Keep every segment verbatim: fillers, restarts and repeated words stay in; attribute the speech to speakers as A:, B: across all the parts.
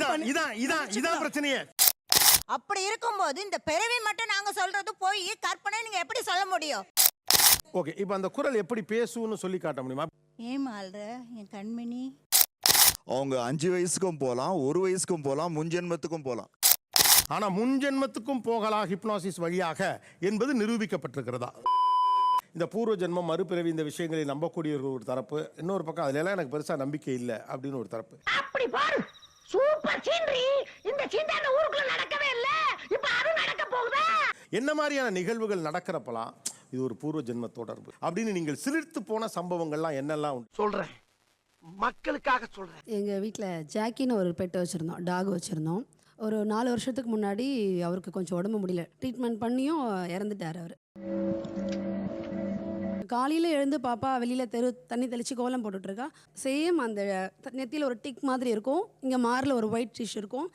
A: இதான் இதான் இதான் பிரச்சனையே.
B: அப்படி இருக்கும்போது இந்த பிறவி மட்டும் நாங்க சொல்றது போய் கற்பனை நீங்க எப்படி சொல்ல முடியும்?
A: ஓகே, இப்போ அந்த குரல் எப்படி பேசுன்னு சொல்லி காட்ட முடியுமா?
B: ஏமா அல்ற என் கண்மணி?
C: அவங்க அஞ்சு வயசுக்கும் போகலாம், ஒரு வயசுக்கும் போகலாம், முன்ஜென்மத்துக்கும் போகலாம்.
A: ஆனா முன்ஜென்மத்துக்கும் போகலாம் ஹிப்னாசிஸ் வழியாக என்பது நிரூபிக்கப்பட்டிருக்கிறதா? இந்த பூர்வ ஜென்மம் மறுபிறவி இந்த விஷயங்களை நம்பக்கூடிய ஒரு தரப்பு, இன்னொரு பக்கம் அதுல எல்லாம் எனக்கு பெருசா நம்பிக்கை இல்லை அப்படின்னு ஒரு தரப்பு.
D: அப்படி பாரு, சூப்பர் சீனரி. இந்த சீண்டான ஊருக்குள்ள நடக்கவே இல்ல, இப்ப அது நடக்க போகுதா?
A: என்ன மாதிரியான நிகழ்வுகள் நடக்கிறப்பலாம் இது ஒரு பூர்வ ஜென்ம தொடர்பு அப்படின்னு நீங்கள் சிலிர்த்து போன சம்பவங்கள்லாம் என்னெல்லாம் உண்டு?
D: சொல்றேன், மக்களுக்காக சொல்றேன்.
E: எங்க வீட்டில் ஜாக்கின்னு ஒரு பெட்டை வச்சுருந்தோம், டாக் வச்சுருந்தோம். ஒரு நாலு வருஷத்துக்கு முன்னாடி அவருக்கு கொஞ்சம் உடம்பு முடியல, ட்ரீட்மெண்ட் பண்ணியும் இறந்துட்டார் அவர். காலையில் எழுந்து பாப்பா வெளியில் தெரு தண்ணி தெளித்து கோலம் போட்டுட்ருக்கா. சேம் அந்த நெத்தியில் ஒரு டிக் மாதிரி இருக்கும், இங்கே மாரில் ஒரு ஒயிட் டிஷ் இருக்கும்,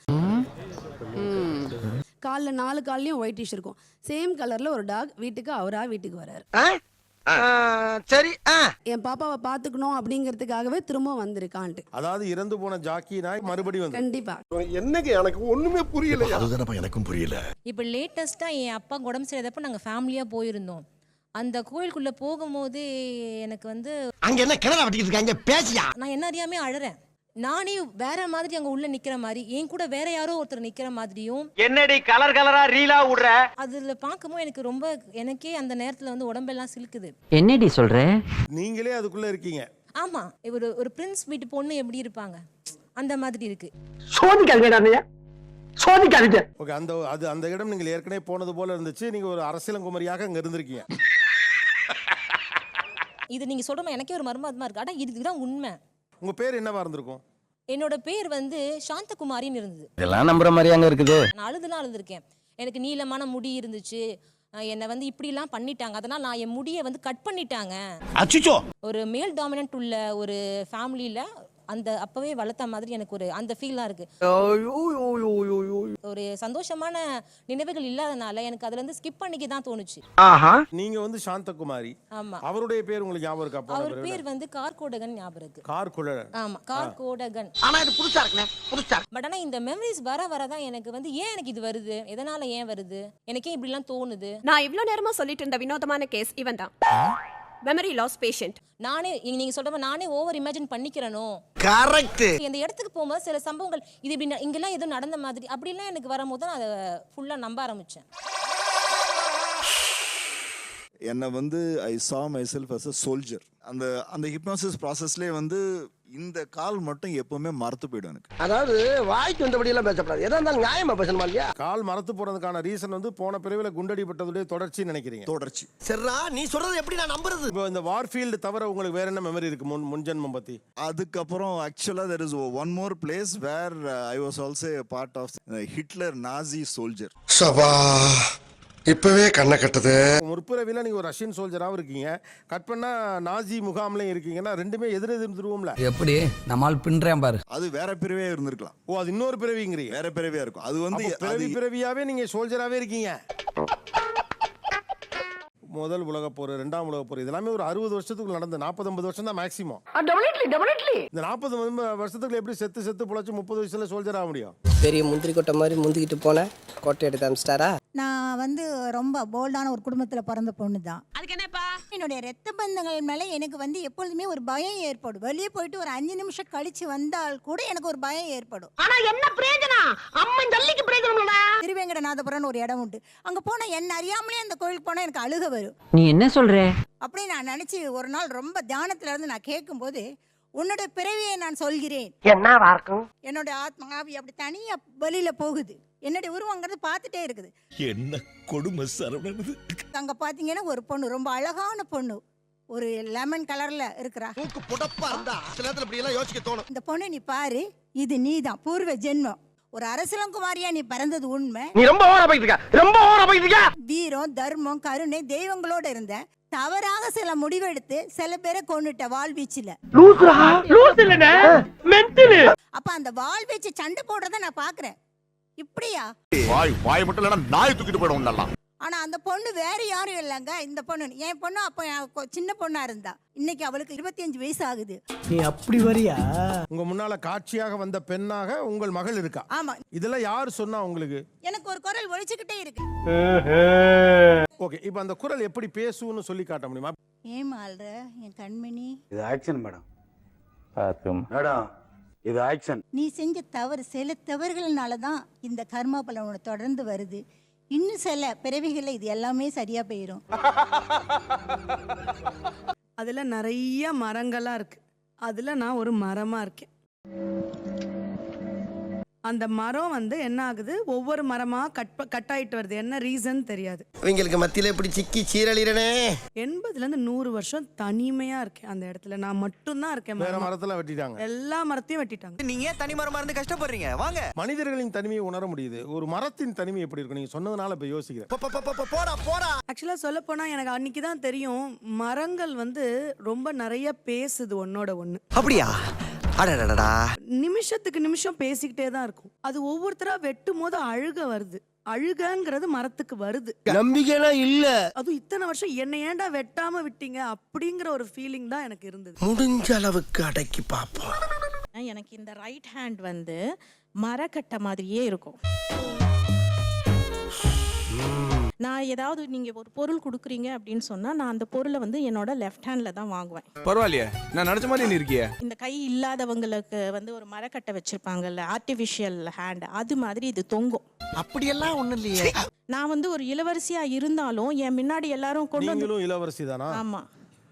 E: காலில் நாலு கால்லையும் ஒயிட் டிஷ் இருக்கும். சேம் கலரில் ஒரு டாக் வீட்டுக்கு அவரா வீட்டுக்கு வர்றாரு.
D: சரி,
E: என் பாப்பாவை பார்த்துக்கணும் அப்படிங்கிறதுக்காகவே திரும்ப வந்திருக்கான்ட்டு.
A: அதாவது இறந்து போன ஜாக்கி நாய் மறுபடியும் வந்து
E: கண்டிப்பா
F: என்னங்க எனக்கு ஒண்ணுமே புரியல.
C: அதுதானப்பா எனக்கும் புரியல.
G: இப்போ லேட்டஸ்ட்டாக என் அப்பா உடம்பு சரியாதப்போ நாங்கள் ஃபேமிலியாக போயிருந்தோம். அந்த கோயிலுக்குள்ளே போகும்போது எனக்கு வந்து
D: அங்க என்ன கிணறு வட்டிக்கிட்டு இருக்காங்க, பேசியா?
G: நான் என்ன அறியாமே அழறேன். நானே வேற மாதிரி அங்கே உள்ள நிற்கிற மாதிரி, என் கூட வேற யாரோ ஒருத்தர் நிற்கிற மாதிரியும்.
H: என்னடி கலர் கலரா ரீலா விடுற?
G: அதில் பார்க்கும்போது எனக்கு ரொம்ப, எனக்கே அந்த நேரத்தில் வந்து உடம்பெல்லாம் சிலுக்குது.
H: என்னடி சொல்ற?
A: நீங்களே அதுக்குள்ள இருக்கீங்க.
G: ஆமாம், ஒரு ஒரு பிரின்ஸ் வீட்டு பொண்ணு எப்படி இருப்பாங்க அந்த மாதிரி இருக்கு.
D: சோதிக்காதீங்க, சோதிக்காதீங்க.
A: ஓகே, அந்த அது அந்த இடம் நீங்கள் ஏற்கனவே போனது போல இருந்துச்சு. நீங்க ஒரு அரசியலங்குமரியாக அங்க இருந்திருக்கீங்க.
G: இது நீங்கள் சொல்கிற எனக்கே ஒரு மர்மமாக இருக்கு. ஆனால் இதுதான் உண்மை.
A: உங்க பேர் என்னவா இருந்திருக்கும்?
G: என்னோட பேர் வந்து சாந்தகுமாரின்னு இருந்தது.
H: இதெல்லாம் நம்புற மாதிரி அங்க இருக்குது.
G: நான் அழுதுலாம் அழுதுருக்கேன். எனக்கு நீளமான முடி இருந்துச்சு, என்னை வந்து இப்படிலாம் பண்ணிட்டாங்க, அதனால் நான் என் முடியை வந்து கட் பண்ணிட்டாங்க.
D: அச்சோ,
G: ஒரு மேல் டாமினன்ட் உள்ள ஒரு ஃபேமிலியில் அந்த அப்பவே வளர்த்த மாதிரி எனக்கு ஒரு அந்த ஃபீலாக இருக்கு. ஒரு சந்தோஷமான நினைவுகள் இல்லாதனால எனக்கு அதுல இருந்து ஸ்கிப் பண்ணிக்க தான் தோணுச்சு.
A: நீங்க வந்து சாந்தகுமாரி.
G: ஆமா.
A: அவருடைய பேர் உங்களுக்கு ஞாபகம் இருக்கா?
G: அவர் பேர் வந்து கார்கோடகன் ஞாபகம் இருக்கு.
A: கார்கோடகன்.
G: ஆமா, கார்கோடகன்.
D: ஆனா இது புதுசா இருக்குனே, புதுசா.
G: பட் ஆனா இந்த மெமரிஸ் வர வரதான் எனக்கு வந்து ஏன் எனக்கு இது வருது, எதனால ஏன் வருது, எனக்கே இப்படி எல்லாம் தோணுது.
I: நான் இவ்ளோ நேரமா சொல்லிட்டு இருந்த வினோதமான கேஸ் இவன் தான். Memory loss patient. நானே
G: நீங்க சொல்ற மாதிரி நானே ஓவர் இமேஜின் பண்ணிக்கிறனோ.
D: கரெக்ட்.
G: இந்த இடத்துக்கு போகும்போது சில சம்பவங்கள் இது இப்படி இங்கெல்லாம் ஏதோ நடந்த மாதிரி அப்படிலாம் எனக்கு வரும்போது தான் அதை ஃபுல்லா நம்ப ஆரம்பிச்சேன்.
C: என்னை வந்து I saw myself as a soldier. அந்த அந்த ஹிப்னாசிஸ் ப்ராசஸ்லேயே வந்து இந்த கால் மட்டும் எப்பவுமே மறத்து போயிடும் எனக்கு.
D: அதாவது வாய்க்கு வந்தபடி எல்லாம் பேசப்படாது, எதா இருந்தாலும் நியாயமா பேசணுமா இல்லையா?
A: கால் மறத்து போறதுக்கான ரீசன் வந்து போன பிறவில குண்டடிப்பட்டதுடைய தொடர்ச்சி நினைக்கிறீங்க?
C: தொடர்ச்சி.
D: சரிடா, நீ சொல்றது எப்படி நான் நம்புறது?
A: இப்போ இந்த வார்ஃபீல்டு தவிர உங்களுக்கு வேற என்ன மெமரி இருக்கு முன் முன்ஜென்மம் பத்தி?
C: அதுக்கப்புறம் ஆக்சுவலா there is one more place where uh, I was also a part of uh, Hitler Nazi soldier.
F: சபா இப்பவே கண்ணை கட்டுது.
A: முற்பிறவில நீங்க ஒரு ரஷ்யன் சோல்ஜராவும் இருக்கீங்க, கட் பண்ணா நாசி முகாம்லயும் இருக்கீங்கன்னா ரெண்டுமே எதிர் எதிர் திருவோம்ல.
H: எப்படி நம்மால் பின்றேன் பாரு.
C: அது வேற பிறவியா இருந்திருக்கலாம்.
A: ஓ, அது இன்னொரு பிறவிங்கிறீங்க?
C: வேற பிறவியா இருக்கும். அது வந்து
A: பிறவி பிறவியாவே நீங்க சோல்ஜராவே இருக்கீங்க. முதல் உலக போர், இரண்டாம் உலக போர் இதெல்லாமே ஒரு அறுபது வருஷத்துக்கு நடந்த நாற்பது ஐம்பது வருஷம் தான் மேக்ஸிமம். இந்த நாற்பது வருஷத்துக்கு எப்படி செத்து செத்து புழைச்சு முப்பது வயசுல சோல்ஜர் ஆக முடியும்?
J: பெரிய முந்திரி கொட்டை மாதிரி முந்திக்கிட்டு போன கோட்டை எடுத்து அமிச்சிட்டாரா?
B: நான் வந்து ரொம்ப போல்டான ஒரு குடும்பத்துல பிறந்த பொண்ணு தான்.
I: அதுக்கு என்னப்பா?
B: என்னுடைய ரத்த பந்தங்கள் மேல எனக்கு வந்து எப்பொழுதுமே ஒரு பயம் ஏற்படும். வெளியே போயிட்டு ஒரு அஞ்சு நிமிஷம் கழிச்சு வந்தால் கூட எனக்கு ஒரு பயம் ஏற்படும்.
D: ஆனா என்ன பிரயோஜனம்? அம்மன் ஜல்லிக்கு பிரயோஜனம் இல்லடா.
B: திருவேங்கடநாதபுரம் ஒரு இடம் உண்டு, அங்க போனா என்ன அறியாமலே அந்த கோயிலுக்கு போனா எனக்கு அழுக வரும்.
H: நீ என்ன சொல்ற?
B: அப்படி நான் நினைச்சு ஒரு நாள் ரொம்ப தியானத்துல இருந்து நான் கேட்கும் போது, உன்னோட பிறவியை நான் சொல்கிறேன்,
D: என்னவா இருக்கும்?
B: என்னோட ஆத்மா ஆவி அப்படி தனியா வெளியில போகுது, என்னுடைய உருவங்கிறது பார்த்துட்டே இருக்குது.
C: என்ன கொடுமை சரவணன்.
B: அங்க பாத்தீங்கன்னா ஒரு பொண்ணு, ரொம்ப அழகான பொண்ணு, ஒரு லெமன் கலர்ல இருக்கிறா.
D: மூக்கு புடப்பா இருந்தா சில நேரத்துல இப்படி எல்லாம் யோசிக்க தோணும்.
B: இந்த பொண்ணு நீ பாரு, இது நீதான் பூர்வ ஜென்மம். ஒரு அரசலங்குமாரியா நீ பிறந்தது உண்மை.
D: நீ ரொம்ப ஓவரா போயிட்டு இருக்க, ரொம்ப ஓவரா போயிட்டு இருக்க.
B: வீரம், தர்மம், கருணை, தெய்வங்களோட இருந்த, தவறாக சில முடிவெடுத்து சில பேரை கொன்னுட்ட வாழ்வீச்சுல. அப்ப அந்த வாழ்வீச்சு சண்டை போடுறத நான் பாக்குறேன். இப்படியா?
C: வாய் வாய் மட்டும் இல்லனா நாய் தூக்கிட்டு போய்டும் நல்லா.
B: ஆனா அந்த பொண்ணு வேற யாரும் இல்லைங்க. இந்த பொண்ணு என் பொண்ணு அப்போ என் கொ- சின்ன பொண்ணா இருந்தா. இன்னைக்கு அவளுக்கு இருபத்தி அஞ்சு வயசு ஆகுது.
J: நீ அப்படி வரியா?
A: உங்க முன்னால காட்சியாக வந்த பெண்ணாக உங்கள் மகள் இருக்கா.
B: ஆமா,
A: இதெல்லாம் யார் சொன்னா உங்களுக்கு?
B: எனக்கு ஒரு குரல் ஒழிச்சுக்கிட்டே இருக்கு.
A: ஓகே, இப்போ அந்த குரல் எப்படி பேசுன்னு சொல்லி காட்ட முடியுமா?
B: ஏன் ஆள்ற என் கண்மணி,
K: இது ஆக்ஷன் மேடம். பாத்தும் மேடம், இது ஆக்ஷன்.
B: நீ செஞ்ச தவறு சில தவறுகள்னால தான் இந்த கர்மா பலன் உனக்கு தொடர்ந்து வருது. இன்னும் சில பிறவிகளில் இது எல்லாமே சரியா போயிடும்.
E: அதில் நிறைய மரங்களாக இருக்குது. அதில் நான் ஒரு மரமாக இருக்கேன். அந்த மரம் வந்து என்ன ஆகுது, ஒவ்வொரு மரமாக கட் ப- கட் ஆயிட்டு வருது. என்ன ரீசன் தெரியாது.
J: இவங்களுக்கு மத்தியில இப்படி சிக்கி சீரழிறனே.
E: எண்பதுலேருந்து நூறு வருஷம் தனிமையாக இருக்கேன் அந்த இடத்துல. நான் மட்டும்தான் இருக்கேன்.
A: வேற
E: மரமா.
A: மரத்துல வெட்டிட்டாங்க.
E: எல்லா மரத்தையும் வெட்டிட்டாங்க.
J: நீங்க ஏன் தனி மரமா இருந்து கஷ்டப்படுறீங்க? வாங்க.
A: மனிதர்களின் தனிமையை உணர முடியுது. ஒரு மரத்தின் தனிமை எப்படி இருக்கும்? நீங்க சொன்னதுனால இப்ப யோசிக்கிறேன்.
J: போடா போடா.
E: ஆக்சுவலாக சொல்ல போனால் எனக்கு அன்னைக்கு தான் தெரியும், மரங்கள் வந்து ரொம்ப நிறைய பேசுது ஒன்னோட ஒன்று.
J: அப்படியா? அடடடடா.
E: நிமிஷத்துக்கு நிமிஷம் பேசிக்கிட்டே தான் இருக்கும். அது ஒவ்வொருத்தரா வெட்டும் போது அழுக வருது. அழுகங்கிறது மரத்துக்கு வருது.
J: நம்பிக்கைலாம் இல்ல.
E: அதுவும் இத்தனை வருஷம் என்னை ஏன்டா வெட்டாம விட்டீங்க அப்படிங்கிற ஒரு ஃபீலிங் தான் எனக்கு இருந்தது.
J: முடிஞ்ச அளவுக்கு அடக்கி பாப்போம்.
G: எனக்கு இந்த ரைட் ஹேண்ட் வந்து மரக்கட்டை மாதிரியே இருக்கும். நான் ஏதாவது நீங்க ஒரு பொருள் கொடுக்குறீங்க அப்படின்னு சொன்னா நான் அந்த பொருளை வந்து என்னோட லெஃப்ட் ஹேண்ட்ல தான் வாங்குவேன்.
K: பரவாயில்லையே, நான் நினைச்ச மாதிரி நீ இருக்கியே.
G: இந்த கை இல்லாதவங்களுக்கு வந்து ஒரு மரக்கட்டை வச்சிருப்பாங்கல்ல, ஆர்டிஃபிஷியல் ஹேண்ட், அது மாதிரி இது தொங்கும்.
J: அப்படியெல்லாம் ஒண்ணும் இல்லையே.
G: நான் வந்து ஒரு இளவரசியா இருந்தாலும் என் முன்னாடி எல்லாரும் கொண்டு வந்து.
A: நீங்களும் இளவரசி தானா?
G: ஆமா.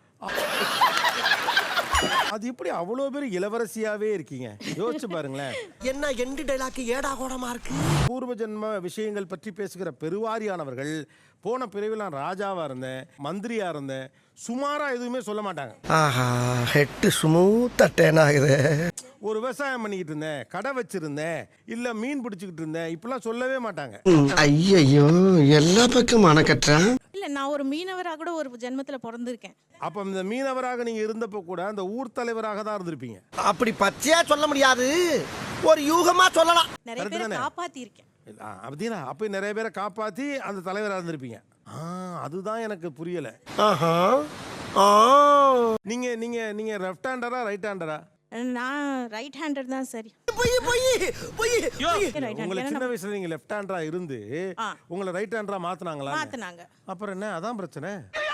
A: அது எப்படி அவ்வளவு பேர் இளவரசியாவே இருக்கீங்க? யோசிச்சு பாருங்களேன்.
J: என்ன எண்டு டைலாக் ஏடா கூடமா இருக்கு.
A: பூர்வ ஜென்ம விஷயங்கள் பற்றி பேசுகிற பெருவாரியானவர்கள் போன பிறவில் நான் ராஜாவா இருந்தேன், மந்திரியா இருந்தேன், சுமாரா எதுவுமே சொல்ல மாட்டாங்க.
J: ஆஹா, ஹெட் ஸ்மூத்தா டேன் ஆகுது.
A: ஒரு விவசாயம் பண்ணிக்கிட்டு இருந்தேன், கடை வச்சிருந்தேன், இல்ல மீன் பிடிச்சிக்கிட்டு இருந்தேன், இப்பெல்லாம் சொல்லவே மாட்டாங்க.
J: ஐயோ, எல்லா பக்கம் அணக்கட்டுறான்.
G: இல்ல, நான் ஒரு மீனவரா கூட ஒரு ஜென்மத்துல பிறந்திருக்கேன்.
A: அப்ப இந்த மீனவராக நீங்க இருந்தப்ப கூட அந்த ஊர் தலைவராக தான் இருந்திருப்பீங்க.
J: அப்படி பச்சையா சொல்ல முடியாது, ஒரு யூகமா சொல்லலாம்.
G: நிறைய
A: Correct
G: பேரை
A: தானே?
G: காப்பாத்தி இருக்கேன்.
A: இல்ல, ஆ, அப்படின்னா அப்ப நிறைய பேரை காப்பாத்தி அந்த தலைவராக இருந்திருப்பீங்க. ஆ, அதுதான் எனக்கு புரியல.
J: ஆஹா. ஆ.
A: நீங்க நீங்க நீங்க லெஃப்ட் ஹேண்டரா ரைட் ஹேண்டரா?
G: நான் ரைட் ஹேண்டர் தான். சரி,
J: போய் போய் போய்
G: ரைட்
A: உங்களை சின்ன
G: ஹேண்டர்
A: வயசுல நீங்க லெஃப்ட் ஹேண்டரா இருந்து
G: ஆ.
A: உங்களை ரைட் ஹேண்டரா மாத்துனாங்களா?
G: மாத்துனாங்க.
A: அப்புறம் என்ன, அதான் பிரச்சனை.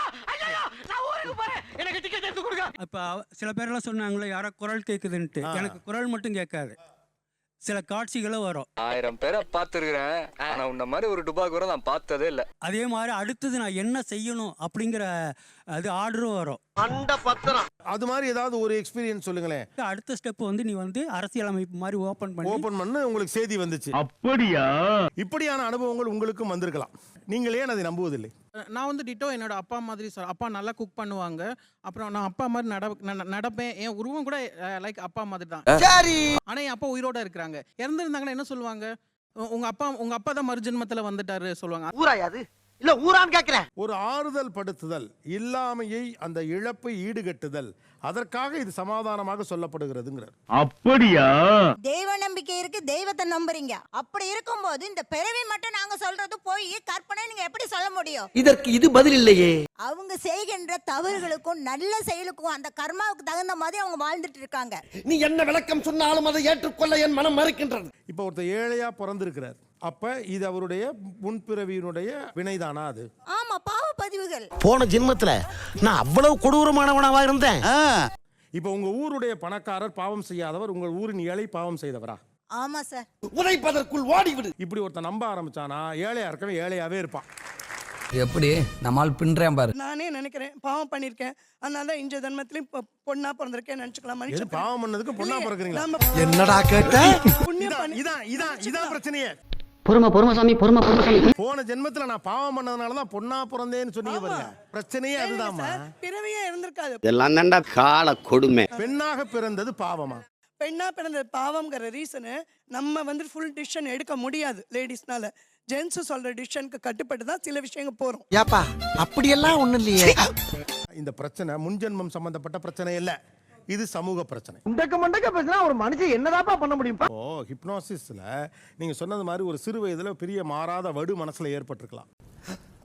H: அப்ப சில பேரெல்லாம் சொன்னாங்களே யாரோ குரல் கேக்குதுன்ட்டு. எனக்கு குரல் மட்டும் கேட்காது, சில காட்சிகளும் வரும்.
K: ஆயிரம் பேரை பார்த்துருக்கிறேன், ஆனா உன்ன மாதிரி ஒரு டுபாக்கூரை நான் பார்த்ததே இல்ல.
H: அதே மாதிரி அடுத்தது நான் என்ன செய்யணும் அப்படிங்கிற அது ஆர்டரும் வரும்.
J: அண்ட பத்திரம்.
A: அது மாதிரி ஏதாவது ஒரு எக்ஸ்பீரியன்ஸ் சொல்லுங்களேன்.
H: அடுத்த ஸ்டெப் வந்து நீ வந்து அரசியலமைப்பு மாதிரி ஓபன் பண்ணி
A: ஓபன் பண்ணு, உங்களுக்கு செய்தி வந்துச்சு.
K: அப்படியா?
A: இப்படியான அனுபவங்கள் உங்களுக்கும் வந்திருக்கலாம். நீங்கள் ஏன் அதை நம்புவதில்லை?
L: நான் வந்து டிட்டோ என்னோட அப்பா மாதிரி சொல் அப்பா நல்லா குக் பண்ணுவாங்க. அப்புறம் நான் அப்பா மாதிரி நட நட- நடப்பேன். என் உருவம் கூட லைக் அப்பா மாதிரி தான்.
J: சரி.
L: ஆனா என் அப்பா உயிரோட இருக்கிறாங்க. இறந்துருந்தாங்கன்னா என்ன சொல்லுவாங்க? உ- உங்க அப்பா உங்க அப்பா தான் மறுஜென்மத்துல வந்துட்டாரு சொல்லுவாங்க.
J: ஊராயாது இல்ல ஊரான்னு கேக்குறேன்.
A: ஒரு ஆறுதல் படுத்துதல், இல்லாமையை அந்த இழப்பை ஈடுகட்டுதல், அதற்காக இது சமாதானமாக சொல்லப்படுகிறதுங்கிறார்.
K: அப்படியா?
B: தெய்வ நம்பிக்கை இருக்கு, தெய்வத்தை நம்புறீங்க. அப்படி இருக்கும்போது இந்த பிறவி மட்டும் நாங்க சொல்றது போய் கற்பனை நீங்க எப்படி சொல்ல முடியும்?
J: இதற்கு இது பதில் இல்லையே.
B: அவங்க செய்கின்ற தவறுகளுக்கும் நல்ல செயலுக்கும் அந்த கர்மாவுக்கு தகுந்த மாதிரி அவங்க வாழ்ந்துட்டு இருக்காங்க.
J: நீ என்ன விளக்கம் சொன்னாலும் அதை ஏற்றுக்கொள்ள என் மனம் மறுக்கின்றது.
A: இப்போ ஒருத்தர் ஏழையா பிறந்திருக்கிறார், அப்ப இது அவருடைய முன்பிறவியினுடைய வினைதானா? அது
B: ஆமா, பாவ பதிவுகள்.
J: போன ஜென்மத்துல நான் அவ்வளவு கொடூரமானவனாவா இருந்தேன்.
A: இப்போ உங்க ஊருடைய பணக்காரர் பாவம் செய்யாதவர், உங்கள் ஊரின் ஏழை பாவம் செய்தவரா?
B: ஆமா சார்.
J: உதைப்பதற்குள் ஓடிவிடு.
A: இப்படி ஒருத்தன் நம்ப ஆரம்பிச்சானா ஏழையா இருக்கவே ஏழையாவே இருப்பான்.
H: எப்படி நம்மால் பின்றேன் பாரு.
E: நானே நினைக்கிறேன் பாவம் பண்ணியிருக்கேன், அதனால இந்த ஜென்மத்திலையும் பொ- பொண்ணா பிறந்திருக்கேன் நினைச்சுக்கலாம்.
A: எது
E: மனுஷன்
A: பாவம் பண்ணதுக்கு பொண்ணா பிறக்குறீங்களா?
J: என்னடா கேட்ட?
E: புண்ணியம்
A: இதான்
E: பண்ணி
A: இதான் இதான் இதான் பிரச்சனையே.
H: பொறுமை பொறுமை சாமி, பொறுமை பொறுமை சாமி.
A: போன ஜென்மத்துல நான் பாவம் பண்ணதுனாலதான் பொண்ணா பிறந்தேன்னு சொன்னீங்க பாருங்க. பிரச்சனையே அதுதான்மா.
E: பிறவியே இருந்திருக்காது.
J: இதெல்லாம் தான்டா கால கொடுமை.
A: பெண்ணாக பிறந்தது பாவமா?
E: பெண்ணா பிறந்த பாவம்ங்கிற ரீசனு நம்ம வந்து ஃபுல் டிசிஷன் எடுக்க முடியாது லேடிஸ்னால. ஜென்ஸ் சொல்ற டிசிஷனுக்கு கட்டுப்பட்டு தான் சில விஷயங்கள் போறோம்.
J: ஏப்பா அப்படியெல்லாம் ஒண்ணும் இல்லையே.
A: இந்த பிரச்சனை முன்ஜென்மம் சம்பந்தப்பட்ட பிரச்சனை இல்ல, இது சமூக பிரச்சனை.
J: முண்டக்க முண்டக்க பேசினா ஒரு மனுஷன் என்னதாப்பா பண்ண முடியும்?
A: ஓ, ஹிப்னோசிஸ்ல நீங்க சொன்னது மாதிரி ஒரு சிறு வயதுல பெரிய மாறாத வடு மனசுல ஏற்பட்டிருக்கலாம்.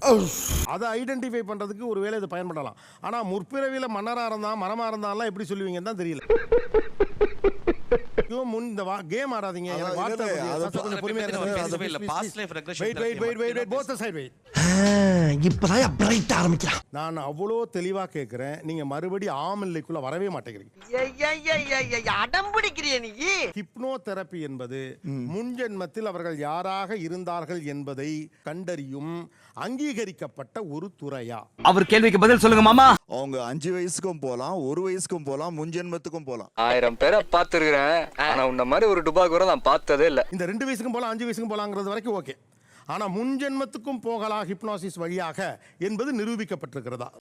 A: அதை ஐடென்டிஃபை பண்றதுக்கு ஒருவேளை இது பயன்படலாம். ஆனா முற்பிறவியில மன்னரா இருந்தா மரமா இருந்தாலாம் எப்படி சொல்லுவீங்கன்னு தான் தெரியல. ஐயோ, முன் இந்த கேம் ஆடாதீங்க. எனக்கு
C: அதான்
A: வார்த்தை
C: இல்ல,
A: புரியல.
C: அது
A: கொஞ்சம் கொஞ்சம் பொறுமையா இருங்க. Wait, wait, wait, wait, wait. Both the side, wait.
F: இப்பதான் பிரைட் ஆரம்பிக்கிறான்.
A: நான் அவ்வளோ தெளிவா கேட்கிறேன். நீங்க மறுபடி ஆமில்லைக்குள்ள வரவே மாட்டேங்கிறீங்க.
D: அடம் பிடிக்கிறிய நீ.
A: ஹிப்னோ தெரப்பி என்பது முன்ஜென்மத்தில் அவர்கள் யாராக இருந்தார்கள் என்பதை கண்டறியும் அங்கீகரிக்கப்பட்ட ஒரு துறையா?
K: அவர் கேள்விக்கு பதில் சொல்லுங்க மாமா.
C: அவங்க அஞ்சு வயசுக்கும் போகலாம், ஒரு வயசுக்கும் போகலாம், முன்ஜென்மத்துக்கும் போகலாம்.
K: ஆயிரம் பேரை பார்த்துருக்கிறேன், ஆனா உன்ன மாதிரி ஒரு டுபாக் கூட நான் பார்த்ததே இல்ல.
A: இந்த ரெண்டு வயசுக்கும் போகலாம், அஞ்சு வயசுக்கும் போகலாங்கிறது வரைக்கும் ஓகே. ஆனா முன்ஜென்மத்துக்கும் போகலாம் ஹிப்னாசிஸ் வழியாக என்பது நிரூபிக்கப்பட்டிருக்கிறதா?